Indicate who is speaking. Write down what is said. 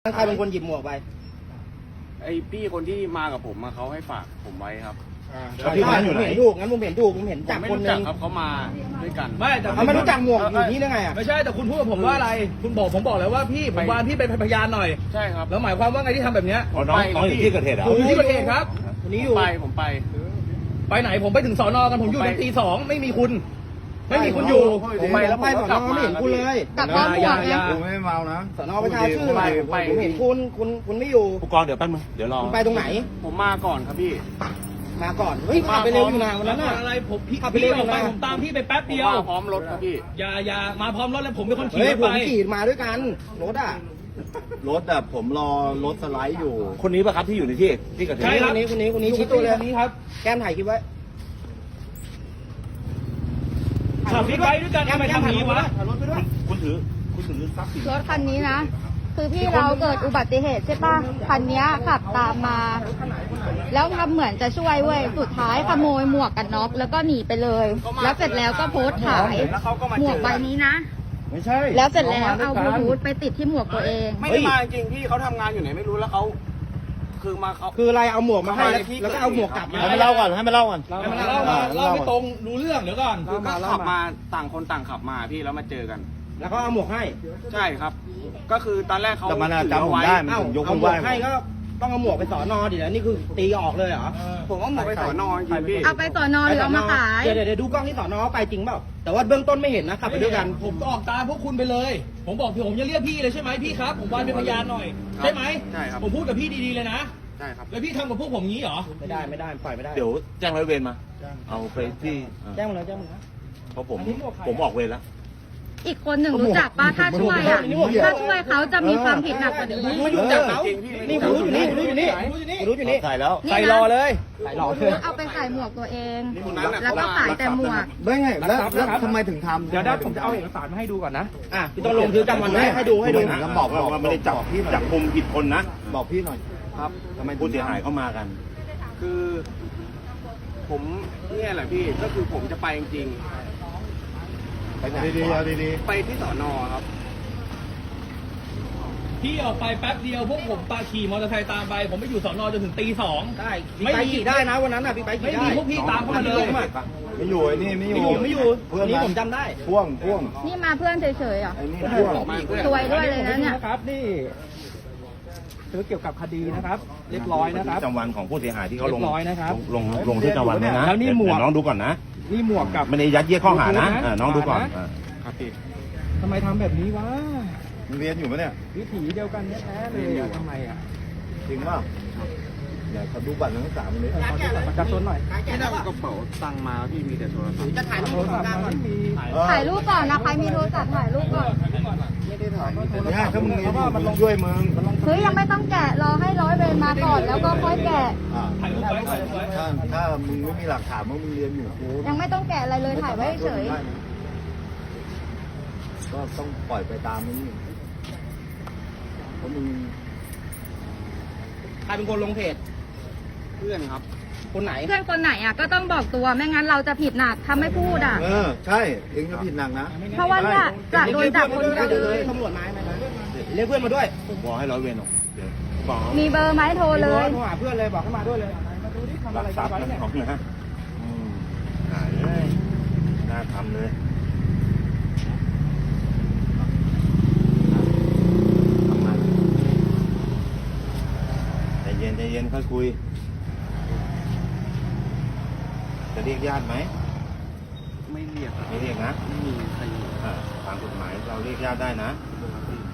Speaker 1: ใครเป็นคนหยิบหมวกไป
Speaker 2: ไอพี่คนที่มากับผมเขาให้ฝากผมไว้ครับ
Speaker 1: พี่ผมเห็นถูกงั้นผมเห็นถูกผมเห็นจับคนนึง
Speaker 2: ครับเขามาด้วยกัน
Speaker 3: ไม่แต่
Speaker 1: เขาไม่รู้จักหมวกอยู่นี่ได้ไงอ่ะ
Speaker 3: ไม่ใช่แต่คุณพูดกับผมว่าอะไรคุณบอกผมบอกแล้วว่าพี่ผมวานพี่เป็นพยานหน่อย
Speaker 2: ใช่ครับ
Speaker 3: แล้วหมายความว่าไงที่ทำแบบเนี้ย
Speaker 4: น้องอยู่ที่เกิดเหตุเหรอ
Speaker 3: อยู่ที่เกิดเหตุครับ
Speaker 1: วันนี้อยู่
Speaker 2: ผมไป
Speaker 3: ไหนผมไปถึงสอนอกันผมอยู่ถึงตี 2ไม่มีคุณไม่มีคุณอยู่
Speaker 1: ผมไปแล้วไปสอนอไม่เห็นคุณเลย
Speaker 5: กลับบ้านหมดไง
Speaker 4: กูไม่เมานะ
Speaker 1: สอนอประชาชื่อผมเห็นคุณไม่อยู่
Speaker 4: ผู้กองเดี๋ยวแป๊บนึงเดี๋ยวรอ
Speaker 1: คุณไปตรงไหน
Speaker 2: ผมมาก่อนครับพี่
Speaker 1: มาก่อนเฮ้ยขับไปเร็วอยู่นะวันนั้นน่ะ
Speaker 3: อะไรผมพี่ขับไปเร็วอยู่นะผมตามพี่ไปแป๊บเดียว
Speaker 2: มาพร้อมรถครับพี่
Speaker 3: อย่ามาพร้อมรถแล้วผมเป็นคนขี่
Speaker 1: ไปผมขี่มาด้วยกันรถอ่ะ
Speaker 4: ผมรอรถสไลด์อยู่คนนี้ป่ะครับที่อยู่ในที่เกิดเหตุ
Speaker 3: ใช่ครับ
Speaker 1: คนนี้ชี้ตัวเลย
Speaker 3: นี้ครับ
Speaker 1: แก้มถ่ายคลิปไว้
Speaker 3: ขับบิ๊กไบค์ด้วยกันทำไมทำนี้วะ
Speaker 4: คุณถือทรัพย์สิน
Speaker 5: รถคันนี้นะคือพี่เราเกิดอุบัติเหตุใช่ป่ะคันนี้ขับตามมาแล้วทำเหมือนจะช่วยเว้ยสุดท้ายขโมยหมวกกันน็อกแล้วก็หนีไปเลยแล้วเสร็จแล้วก็โพสต์ขายหมวกใบนี้นะ
Speaker 1: ไม่ใช่
Speaker 5: แล้วเสร็จแล้วเอาบลูทูธไปติดที่หมวกตัวเอง
Speaker 2: ไม่ได้มาจริงพี่เขาทำงานอยู่ไหนไม่รู้แล้วเขา
Speaker 1: คืออะไรเอาหมวกมาให้แล้วก็เอาหมวกกลับมา
Speaker 4: ให้มันเล่าก่อน
Speaker 3: เล่าไม่ตรงรู้เรื่องเดี๋ยวก่อน
Speaker 2: คือก็ขับมาต่างคนต่างขับมาพี่แล้วมาเจอกัน
Speaker 1: แล้วก็เอาหมวกให้
Speaker 2: ใช่ครับก็คือตอนแรกเขา
Speaker 4: จำผมได้มันยกมือไหว้
Speaker 1: ให้ก็ต้องเอาหมวกไปสอนอดิแล้วนี่คือตีออกเลยเหรอ
Speaker 2: ผมว่าหมวกไปสอนอจริงพี่
Speaker 5: เอาไปสอนอหรือเอามาขาย
Speaker 1: เดี๋ยวดูกล้องที่สอนอไปจริงเปล่าแต่ว่าเบื้องต้นไม่เห็นนะขับไปด้วยกัน
Speaker 3: ผมออกตามพวกคุณไปเลยผมบอกผมจะเรียกพี่เลยใช่ไหมพี่ครับผมวานเป็นพยานหน่อยใช่ไหม
Speaker 2: ใช่ครับ
Speaker 3: ผมพูดกับพี่ดีๆเลยนะ
Speaker 2: ใช่ครับ
Speaker 3: แล้วพี่ทำกับพวกผมงี้เหรอ
Speaker 1: ไม่ได้ปล่อยไม่ได้
Speaker 4: เดี๋ยวแจ้งร้อยเวรมาเอาไปที่
Speaker 1: แจ้งมาเลย
Speaker 4: เพราะผมออกเวรแล้ว
Speaker 5: อีกคนหนึ่งรู้จักป้าถ้าช่วยอ่ะถ้าช่วยเขาจะมีความผิดหนักกว่านี้
Speaker 1: ไม่รู้จักเขานี่รู้อยู่นี่
Speaker 4: ใส่แล้ว
Speaker 3: ใส่รอเลย
Speaker 5: เอาไปใส่หมวกตัวเองแล้วก็ขายแต่หมวก
Speaker 4: ได้ไงแล้วทำไมถึงทำ
Speaker 1: เดี๋ยวผมจะเอาเอกสารมาให้ดูก่อนนะพี่ต้องลงชื่อจำวันให้ดู
Speaker 4: แล้วบอกว่าไม่ได้จับกุมผิดคนนะบอกพี่หน่อยครับทำไมผู้เสียหายเข้ามากัน
Speaker 2: คือผมเนี่ยแหละพี่ก็คือผมจะไปจริง
Speaker 4: ดี
Speaker 2: ไปที่สอนอครับ
Speaker 3: พี่ออกไปแป๊บเดียวพวกผมขี่มอเตอร์ไซค์ตามไปผมไม่อยู่สอนอจนถึงตี 2
Speaker 1: ได้ไม่ขี่ได้นะวันนั้นน่ะพี่ไปขี่ได้
Speaker 3: ไม่มีพวกพี่ตามเข้ามาเลย
Speaker 4: ไม่อยู่ไอ้นี่ไม่อยู่
Speaker 1: นี่ผมจำได้
Speaker 4: พ่วง
Speaker 5: นี่มาเพื่อนเฉยๆอ่ะ
Speaker 4: ไอ้นี่พ่วง
Speaker 5: สวยด้วยเลยนะเนี่ย
Speaker 3: ครับนี่เกี่ยวกับคดีนะครับเรียบร้อยนะครับ
Speaker 4: จำวันของผู้เสียหายที่เขาลง
Speaker 3: ร้อยนะครับ
Speaker 4: ลงที่จำวันเนี่ยนะ
Speaker 3: แล้วนี่หมวก
Speaker 4: น้องดูก่อนนะ
Speaker 3: นี่หมวกกับ
Speaker 4: ไม่ได้ยัดเยียดข้อหานะน้องดูก่อน
Speaker 2: ครับพี่
Speaker 3: ทำไมทำแบบนี้วะ
Speaker 4: เรียนอยู่ปะเนี่ย
Speaker 3: วิถีเดียวกันแท้ๆเลยทำไมอ่ะ
Speaker 4: จริงป่ะเดี๋ยวขอดูบัตรนักศึกษามันเลย
Speaker 3: ประชาชนหน่อย
Speaker 2: ไม่ได้กระเป๋าตังมาพี่มีแต่โทรศัพท์
Speaker 1: จะถ่ายรูปก่อน
Speaker 5: ถ่ายรูปก่อนนะใครมีโทรศัพท์ถ่ายรูปก่อน
Speaker 4: ไม่ได้ถ่ายเนี่ยถ้ามึงเรียนอยู่มันช่วยมึง
Speaker 5: เฮ้ยยังไม่ต้องแกะรอให้ร้อยเวรมาก่อนแล้วก็ค่อยแกะ
Speaker 4: ถ้ามึงไม่มีหลักฐานว่ามึงเรียนอยู่
Speaker 5: ยังไม่ต้องแกะอะไรเลยถ่ายไว้เฉย
Speaker 4: ก็ต้องปล่อยไปตามนี้เพราะมึง
Speaker 1: ใครเป็นคนลงเพจ
Speaker 2: เพื่อนครับ
Speaker 1: คนไหน
Speaker 5: เพื่อนคนไหนอ่ะก็ต้องบอกตัวไม่งั้นเราจะผิดหนักถ้าไม่พูดอ่ะ
Speaker 4: ใช่เองจะผิดหนักนะ
Speaker 5: เพราะว่าเนี่ยจะโดนจับคนเดียว
Speaker 1: เลยตำรวจมาไหมเรียกเพื่อนมาด้วย
Speaker 4: ผมบอกให้ร้อยเวรออก
Speaker 5: มีเบอร์ไหมโทรเลย
Speaker 1: โทรหาเพื่อนเลยบอกให้มาด้วยเลยมาดูที่ทำอะไรกันไว้เนี่ย
Speaker 4: หายเลยน่าทำเลยใจเย็นค่อยคุยจะเรียกญาติไหม
Speaker 2: ไม่เรียก
Speaker 4: นะ
Speaker 2: ไม่มีใคร
Speaker 4: ตามกฎหมายเราเรียกญาติได้นะ